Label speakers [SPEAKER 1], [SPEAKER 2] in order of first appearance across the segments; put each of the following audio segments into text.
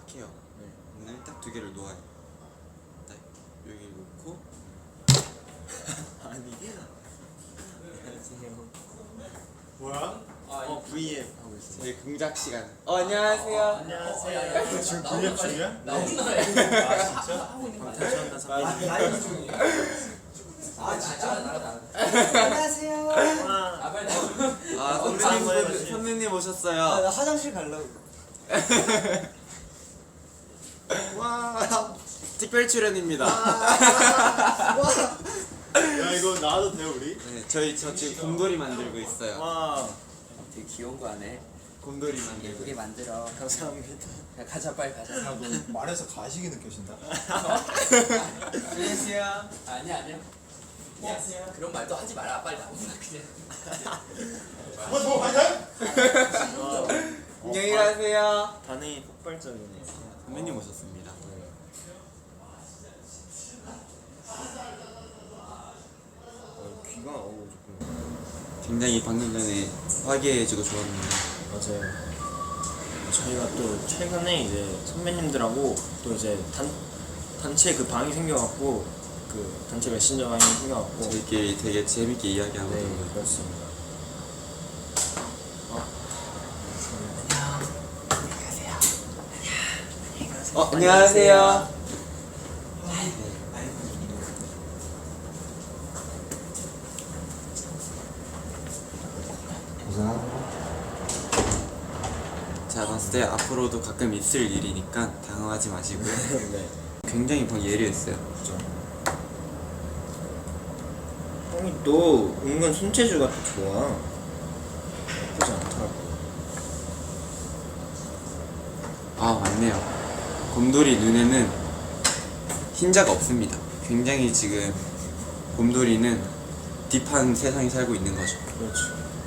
[SPEAKER 1] 해요. 네. 오늘 딱 두 개를 놓아요. 딱 여기 놓고 아니 안녕하세요.
[SPEAKER 2] 뭐야?
[SPEAKER 1] V앱 하고 있어요. 저희 공작 시간. 안녕하세요.
[SPEAKER 2] 안녕하세요. 지금 V앱 중이야?
[SPEAKER 3] 나 혼자
[SPEAKER 2] 아 진짜?
[SPEAKER 1] 방탄소년단 선배님.
[SPEAKER 3] 라이브 중이에요. 아 진짜?
[SPEAKER 4] 안녕하세요.
[SPEAKER 3] 아 빨리 나와.
[SPEAKER 1] 선배님 오셨어요.
[SPEAKER 4] 나 화장실 가려고.
[SPEAKER 1] 와 특별 출연입니다.
[SPEAKER 2] 야 이거 나와도 돼요 우리?
[SPEAKER 1] 네, 저 지금 곰돌이 만들고 있어요.
[SPEAKER 2] 와
[SPEAKER 3] 되게 귀여운 거 하네.
[SPEAKER 1] 곰돌이 만들고.
[SPEAKER 3] 예쁘게 만들어.
[SPEAKER 2] 감사합니다.
[SPEAKER 3] 야, 가자 빨리 가자.
[SPEAKER 2] 말해서 가식이 느껴진다.
[SPEAKER 1] 안녕하세요.
[SPEAKER 3] 아니야. 안녕하세요. 그런 말도 하지 마라. 빨리 나오자 그냥.
[SPEAKER 2] 뭐 가자?
[SPEAKER 1] 안녕히 가세요.
[SPEAKER 2] 반응이 폭발적이네.
[SPEAKER 1] 선배님 오셨습니다.
[SPEAKER 2] 귀가 조금
[SPEAKER 1] 굉장히 방금 전에 화기애애해지고 좋았는데.
[SPEAKER 5] 맞아요. 저희가 또 최근에 이제 선배님들하고 또 이제 단체 그 방이 생겨갖고 그 단체 메신저 방이 생겨갖고
[SPEAKER 1] 저희끼리 되게 재밌게 이야기하고
[SPEAKER 5] 네
[SPEAKER 1] 있는
[SPEAKER 5] 그렇습니다.
[SPEAKER 1] 안녕하세요. 제가 봤을 때 앞으로도 가끔 있을 일이니까 당황하지 마시고요.
[SPEAKER 5] 네.
[SPEAKER 1] 굉장히 방 예리했어요.
[SPEAKER 5] 그죠. 형이 또 은근 손재주가 또 좋아. 나쁘지 않더라고.
[SPEAKER 1] 아 맞네요. 곰돌이 눈에는 흰자가 없습니다. 굉장히 지금 곰돌이는 딥한 세상에 살고 있는 거죠.
[SPEAKER 5] 그렇지.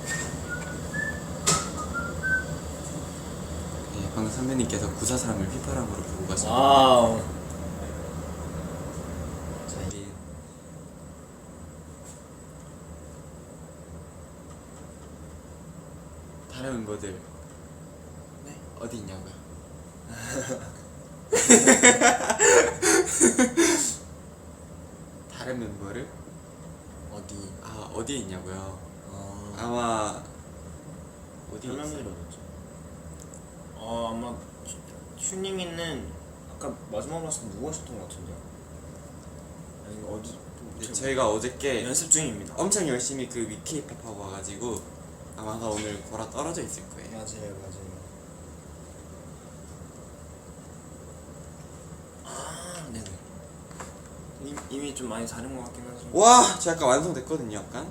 [SPEAKER 1] 예, 방금 선배님께서 구사삼을 휘파람으로 보고 가셨는데
[SPEAKER 5] 와우.
[SPEAKER 1] 저희 다른 멤버들 어디 있냐고요? 다른 멤버를 어디에 있냐고요? 아마 어디
[SPEAKER 5] 별명들이
[SPEAKER 1] 있어요?
[SPEAKER 5] 어딨죠? 아마 슈닝이는 아까 마지막으로 봤을 때 누구 하셨던 것 같은데? 아니 어디
[SPEAKER 1] 네, 저희가 어저께
[SPEAKER 5] 연습 중입니다.
[SPEAKER 1] 엄청 열심히 그 위키팝 하고 와가지고 아마 오늘 거라 떨어져 있을 거예요.
[SPEAKER 5] 맞아요. 아, 네네. 이미 좀 많이 다른 것 같긴 하죠.
[SPEAKER 1] 와, 저 약간 완성됐거든요, 약간.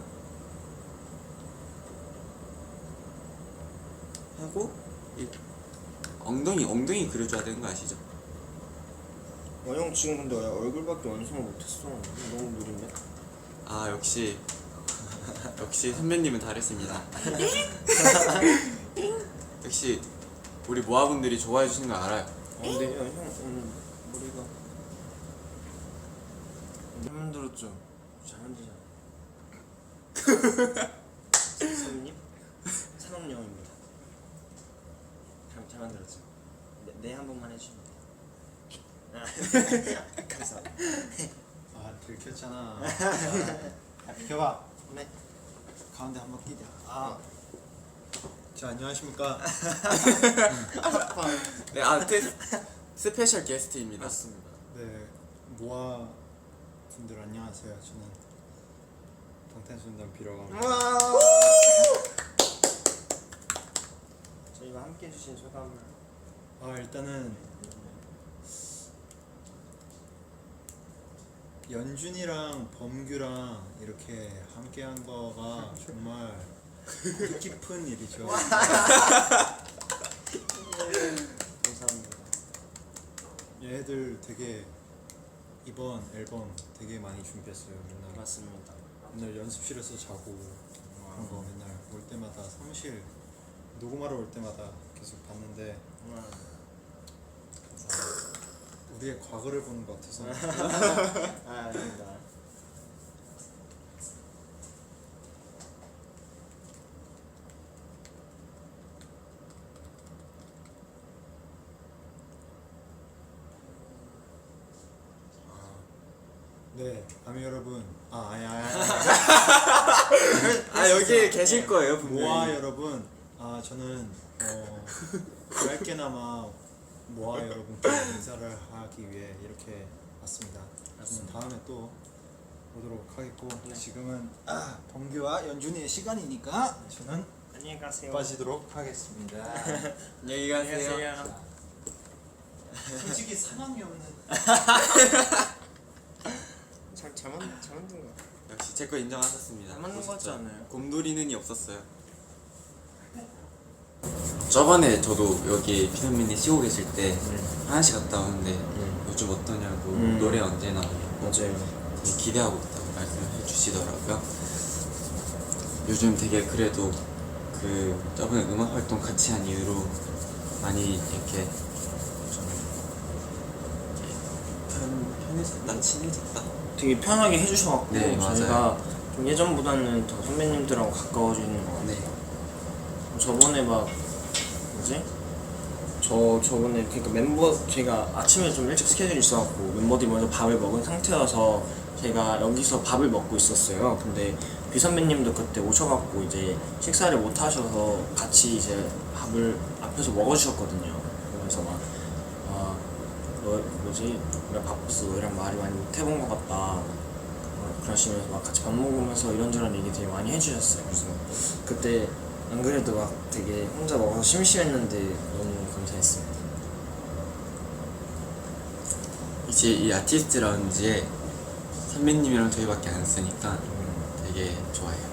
[SPEAKER 1] 하고 이 엉덩이 그려줘야 되는 거 아시죠?
[SPEAKER 5] 형 지금 근데 왜 얼굴밖에 완성을 못했어. 너무 느린데?
[SPEAKER 1] 아 역시 선배님은 다르십니다. 역시 우리 모아분들이 좋아해 주시는 거 알아요.
[SPEAKER 5] 근데 형 오늘 머리가 잘 만들었죠? 잘 만들잖아. 선생님? 산업영입니다. 잘 만들었죠? 네 한 번만 해주시면 돼요. 감사합니다.
[SPEAKER 2] 아 들켰잖아. 야, 비켜봐.
[SPEAKER 5] 네.
[SPEAKER 2] 가운데 한번 끼자. 자 안녕하십니까.
[SPEAKER 1] 네, 스페셜 게스트입니다.
[SPEAKER 5] 맞습니다.
[SPEAKER 2] 네 모아 분들 안녕하세요. 저는 방탄소년단 비라고 합니다.
[SPEAKER 5] 저희와 함께 해주신 소감을
[SPEAKER 2] 일단은 연준이랑 범규랑 이렇게 함께한 거가 정말 뜻깊은 일이죠.
[SPEAKER 5] 감사합니다.
[SPEAKER 2] 얘들 되게 이번 앨범 되게 많이 준비했어요. 맨날
[SPEAKER 5] 맞습니다.
[SPEAKER 2] 맨날 연습실에서 자고 그런 거 맨날 올 때마다 사무실 녹음하러 올 때마다 계속 봤는데 우리의 과거를 보는 것 같아서
[SPEAKER 5] 아닙니다.
[SPEAKER 2] 네, 아미 여러분.
[SPEAKER 1] 아 여기 계실 거예요 분명히.
[SPEAKER 2] 모아 여러분. 저는 얇게나마 모아 여러분께 인사를 하기 위해 이렇게 왔습니다. 다음에 또 보도록 하겠고 지금은 범규와 연준이의 시간이니까 저는
[SPEAKER 5] 안녕히 가세요.
[SPEAKER 2] 빠지도록 하겠습니다.
[SPEAKER 1] 안녕히 가세요.
[SPEAKER 4] 솔직히 상황이 없는.
[SPEAKER 5] 잘 만든 거.
[SPEAKER 1] 역시 제 거 인정하셨습니다.
[SPEAKER 5] 잘 만든 거 같지 않아요?
[SPEAKER 1] 곰돌이는이 없었어요. 저번에 저도 여기 피선민이 쉬고 계실 때 하나씩 갔다 오는데 요즘 어떠냐고 노래 언제 나오냐고
[SPEAKER 5] 맞아요.
[SPEAKER 1] 되게 기대하고 있다고 말씀해 주시더라고요. 요즘 되게 그래도 그 저번에 음악 활동 같이 한 이후로 많이 이렇게 좀 편해졌다, 친해졌다.
[SPEAKER 5] 되게 편하게 해주셔갖고
[SPEAKER 1] 네, 맞아요.
[SPEAKER 5] 저희가 좀 예전보다는 더 선배님들하고 가까워지는 것 같아요.
[SPEAKER 1] 네.
[SPEAKER 5] 저번에 막 뭐지? 저번에 그러니까 멤버 제가 아침에 좀 일찍 스케줄이 있어갖고 멤버들이 먼저 밥을 먹은 상태여서 제가 여기서 밥을 먹고 있었어요. 근데 비 선배님도 그때 오셔갖고 이제 식사를 못 하셔서 같이 이제 밥을 앞에서 먹어주셨거든요. 그러면서 막 너 뭐지? 우리가 바빠서 너희랑 말이 많이 못 해본 것 같다. 그러시면서 막 같이 밥 먹으면서 이런저런 얘기 되게 많이 해주셨어요. 그래서 그때 안 그래도 막 되게 혼자 먹어서 심심했는데 너무 감사했습니다.
[SPEAKER 1] 이제 이 아티스트 라운지에 선배님이랑 저희밖에 안 쓰니까 되게 좋아요.